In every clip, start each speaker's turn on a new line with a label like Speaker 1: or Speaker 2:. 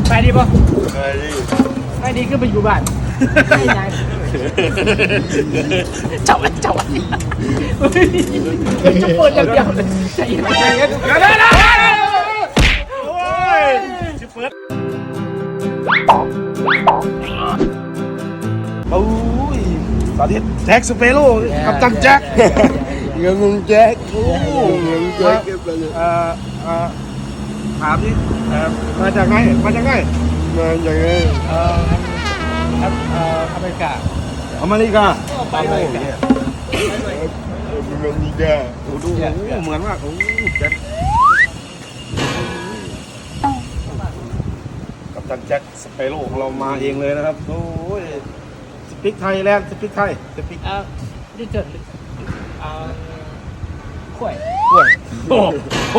Speaker 1: ไปดีป่ะ
Speaker 2: ไปดิ
Speaker 1: ไปดีก็ไปอยู่บ้านไม่ไงเจ้าจะเปิดอย่างเดียวเลยใจเย็นใจเย็น
Speaker 2: โอ้ยชิเฟิร์สโอ้ยสาธิตแจ็คสเปโร่กับตันแจ็คเงินแจ็คโอ้เงินแจ็คถามดิมาจากไหนอเมริกา
Speaker 1: อเมริกา
Speaker 2: อเมริกา
Speaker 1: ไปอเมริกา
Speaker 2: ดูเหมือนมากโอ้แจ็คกับตันแจ็คสเปโร่ของเรามาเองเลยนะครับโอ้ยสปิกไทยแลนด์สปิกไทยสปิก
Speaker 1: ดิจิทัลข่วย
Speaker 2: โอ้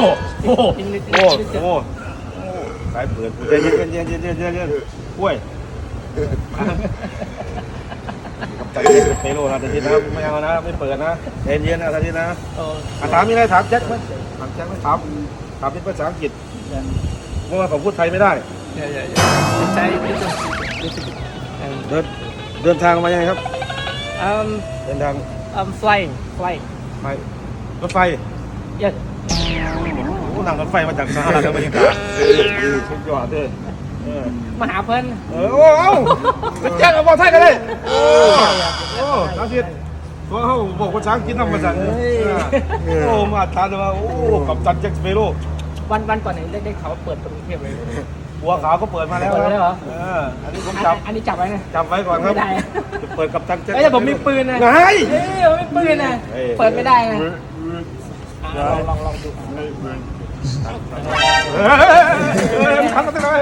Speaker 2: สายเปิดเย็นกล้วยกับตันแจ็คสเปโร่นะทีนะไม่เอานะไม่เปิดนะเย็นนะทีนะถามมีอะไรถามแจ็คไหมถามแจ็คไหมถามเป็นภาษาอังกฤษเพราะว่าผมพูดไทยไม่ได้
Speaker 1: ใช่
Speaker 2: เดินทางมายังไงครับเดินทาง
Speaker 1: flying
Speaker 2: ไปรถไฟ
Speaker 1: yes
Speaker 2: โอ้นั่งรถไฟมาจากสหรัฐอเมริกาสุดยอดเลย
Speaker 1: มาหาเพิ่น
Speaker 2: โอ้เป็นแจ้งเอาบอกไทยกันเลยโอ้น้ำเสียตัวเขาบอกภาษาอังกฤษนำมาจากโอ้มาทานเลยว่าโอ้กับตันแจ็คสเปโร่
Speaker 1: วันก่อนเนี่ยได้ข่าวเปิดประตูเทพเลย
Speaker 2: บัวขาวก็เปิดมาแล้ว
Speaker 1: เหรอ
Speaker 2: อันนี้ผมจับ
Speaker 1: อันนี้จับไว้นะ
Speaker 2: จับไว้ก่อนครับจะเปิดกับตันแจ็ค
Speaker 1: แต่ผมมีปืนนะ
Speaker 2: ไง
Speaker 1: ผมมีปืนนะเปิดไม่ได้นะลองดู
Speaker 2: ทำกันได้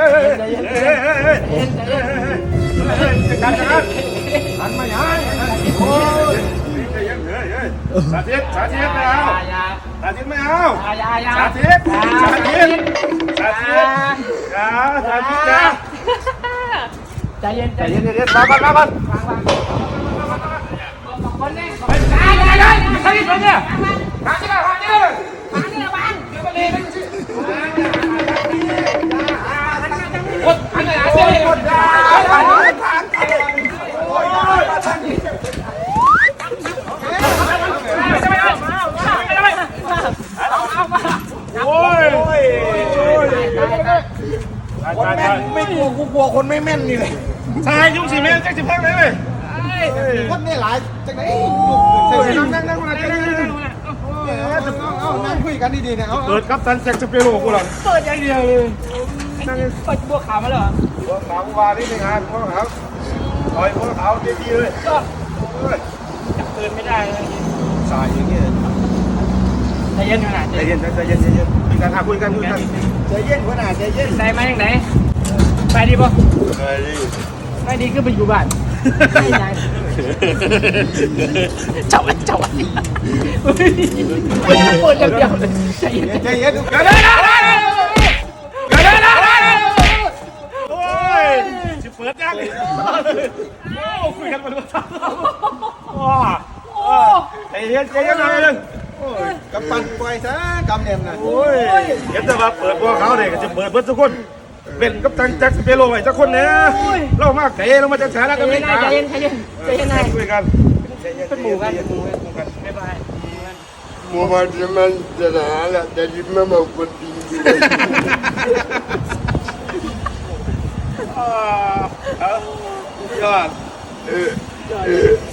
Speaker 2: การหันมาอย่างโอ้ยสาธิตไม่เอาสาธิตไม่เอาสาธิต
Speaker 1: ใจเย็น
Speaker 2: มาก่อน
Speaker 1: คนนี้อย่าใครคนเนี่ยมาที่บ้านเดี๋ยวมาเลยคนอันไหนเสียคน
Speaker 2: โอ้ย
Speaker 3: ไม่กลัวคนไม่แม่นนี่เลย
Speaker 2: ชายยุ่งสีแม่แจ็คสิบแพงเลย
Speaker 3: คนนี่หลายจากไหนนั่งคุยกันดีๆเนี่ย
Speaker 2: เปิดกับตันแจ็คสเปโร่กูหลัง
Speaker 1: เปิดอย่างเดียวเลยเปิดบัวขาวมาเหรอ
Speaker 2: บัวขาววานี่งานบัวขาวต่อยบัวขาวดีๆเลย
Speaker 1: จับปืนไม่ได้เลย
Speaker 2: สายอย่างเงี้ย
Speaker 1: ใจเย็นขนาด
Speaker 2: ใจเย็นคุยกัน
Speaker 3: ใจเย็นขนาดใจเย็น
Speaker 1: ได้ไหมอย่างไหนไปดีป่ะไปดีก็ไปอยู่บ้านไม่ไงเจ้าเปิดอย่างเดียวเลยใจเย็น
Speaker 2: โอ้ยชิเปิดยังโอ้คุยกันมาดูใจเย็นหน่อยนึง
Speaker 3: กับปั่นปล่อยซะกำเนียมนะ
Speaker 2: โอ้ยเห็นแต่ว่าเปิดพวกเขาเนี่ยก็จะเปิดเพื่อทุกคนเป็นกับตันแจ็คสเปโร่ไว้สักคนเนี่ยเรามาเก๋เรามาจากสหรัฐอเมริกา
Speaker 1: ใจเย็น
Speaker 2: คุยกัน
Speaker 1: เป็นหมู่กันบ๊ายบาย
Speaker 3: หมู่บ้านมันจะหนาแหละแต่ยิ้มไม่มาคนดี
Speaker 2: ยอด